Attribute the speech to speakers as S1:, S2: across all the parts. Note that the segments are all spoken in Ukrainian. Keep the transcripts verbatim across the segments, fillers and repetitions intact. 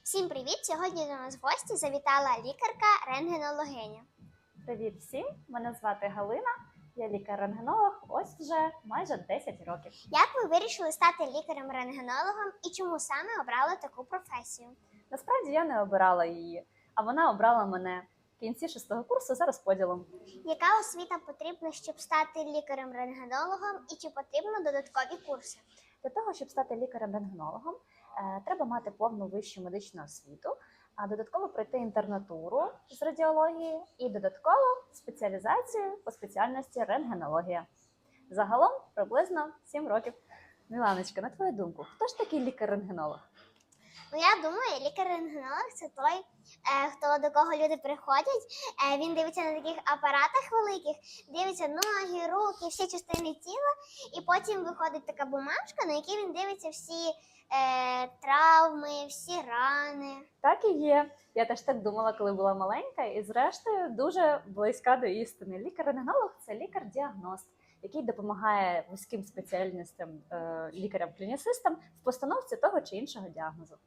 S1: Всім привіт! Сьогодні до нас в гості завітала лікарка-рентгенологиня.
S2: Привіт всім! Мене звати Галина, я лікар-рентгенолог, ось вже майже десять років.
S1: Як ви вирішили стати лікарем-рентгенологом і чому саме обрали таку професію?
S2: Насправді я не обирала її, а вона обрала мене в кінці шостого курсу за розподілом.
S1: Яка освіта потрібна, щоб стати лікарем-рентгенологом і чи потрібно додаткові курси?
S2: Для того, щоб стати лікарем-рентгенологом, е, треба мати повну вищу медичну освіту, а додатково пройти інтернатуру з радіології і додатково спеціалізацію по спеціальності рентгенологія. Загалом приблизно сім років. Міланочка, на твою думку, хто ж такий лікар-рентгенолог?
S1: Ну, я думаю, лікар-рентгенолог – це той, е, хто до кого люди приходять, е, він дивиться на таких апаратах великих, дивиться ноги, руки, всі частини тіла, і потім виходить така бумажка, на якій він дивиться всі е, травми, всі рани.
S2: Так і є. Я теж так думала, коли була маленька, і зрештою дуже близька до істини. Лікар-рентгенолог – це лікар-діагност, який допомагає вузьким спеціальностям, е, лікарям-клінісистам в постановці того чи іншого діагнозу.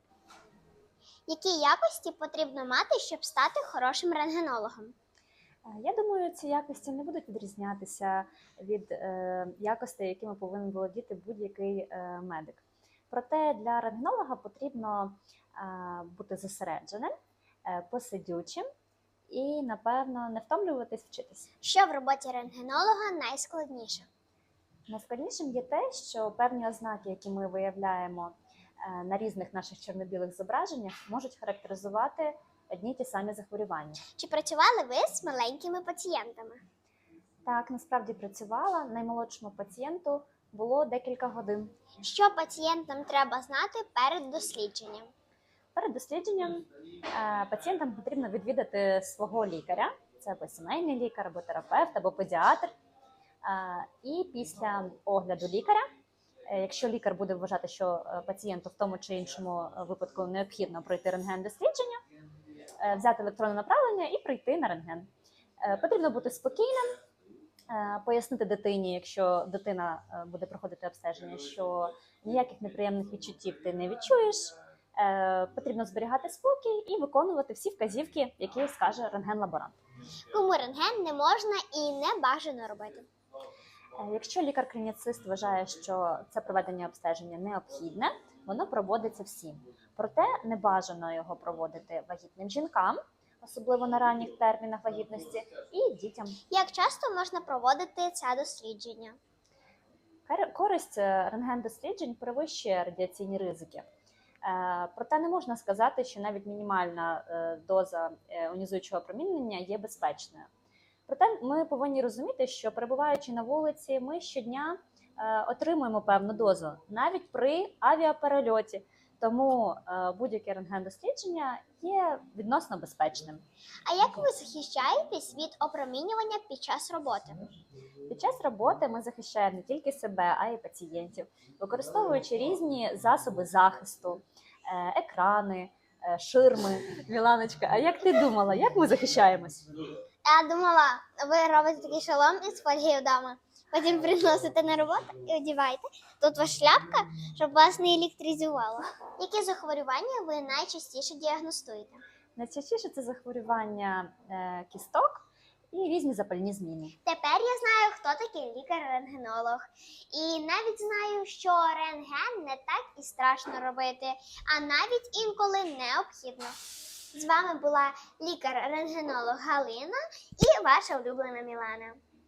S1: Які якості потрібно мати, щоб стати хорошим рентгенологом?
S2: Е, Я думаю, ці якості не будуть відрізнятися від е, якостей, якими повинен володіти будь-який е, медик. Проте для рентгенолога потрібно е, бути зосередженим, е, посидючим і, напевно, не втомлюватись вчитись.
S1: Що в роботі рентгенолога найскладніше?
S2: Найскладнішим є те, що певні ознаки, які ми виявляємо е, на різних наших чорно-білих зображеннях, можуть характеризувати одні й ті самі захворювання.
S1: Чи працювали ви з маленькими пацієнтами?
S2: Так, насправді працювала. Наймолодшому пацієнту було декілька годин.
S1: Що пацієнтам треба знати перед дослідженням?
S2: Перед дослідженням е, пацієнтам потрібно відвідати свого лікаря, це або сімейний лікар, або терапевт, або педіатр. Е, і після огляду лікаря, е, якщо лікар буде вважати, що е, пацієнту в тому чи іншому випадку необхідно пройти рентген-дослідження, е, взяти електронне направлення і прийти на рентген. Е, потрібно бути спокійним, е, пояснити дитині, якщо дитина е, буде проходити обстеження, що ніяких неприємних відчуттів ти не відчуєш. Е, потрібно зберігати спокій і виконувати всі вказівки, які скаже рентген-лаборант.
S1: Кому рентген не можна і не бажано робити?
S2: Е, якщо лікар-клініцист вважає, що це проведення обстеження необхідне, воно проводиться всім. Проте не бажано його проводити вагітним жінкам, особливо на ранніх термінах вагітності, і дітям.
S1: Як часто можна проводити це дослідження?
S2: Кар- Користь е, рентген-досліджень перевищує радіаційні ризики. Е, Проте не можна сказати, що навіть мінімальна е, доза е, іонізуючого опромінення є безпечною. Проте ми повинні розуміти, що перебуваючи на вулиці, ми щодня е, отримуємо певну дозу, навіть при авіаперельоті. Тому е, будь-яке рентген-дослідження є відносно безпечним.
S1: А як ви захищаєтесь від опромінювання під час роботи?
S2: Під час роботи ми захищаємо не тільки себе, а й пацієнтів, використовуючи різні засоби захисту, е, екрани, е, ширми. Міланочка, а як ти думала, як ми захищаємось?
S1: Я думала, ви робите такий шолом із фольги вдома, потім приносите на роботу і одягаєте. Тут ваша шляпка, щоб вас не електризувало. Які захворювання ви найчастіше діагностуєте?
S2: Найчастіше це захворювання е, кісток і різні запальні зміни.
S1: Тепер я знаю, хто такий лікар-рентгенолог. І навіть знаю, що рентген не так і страшно робити, а навіть інколи необхідно. З вами була лікар-рентгенолог Галина і ваша улюблена Мілана.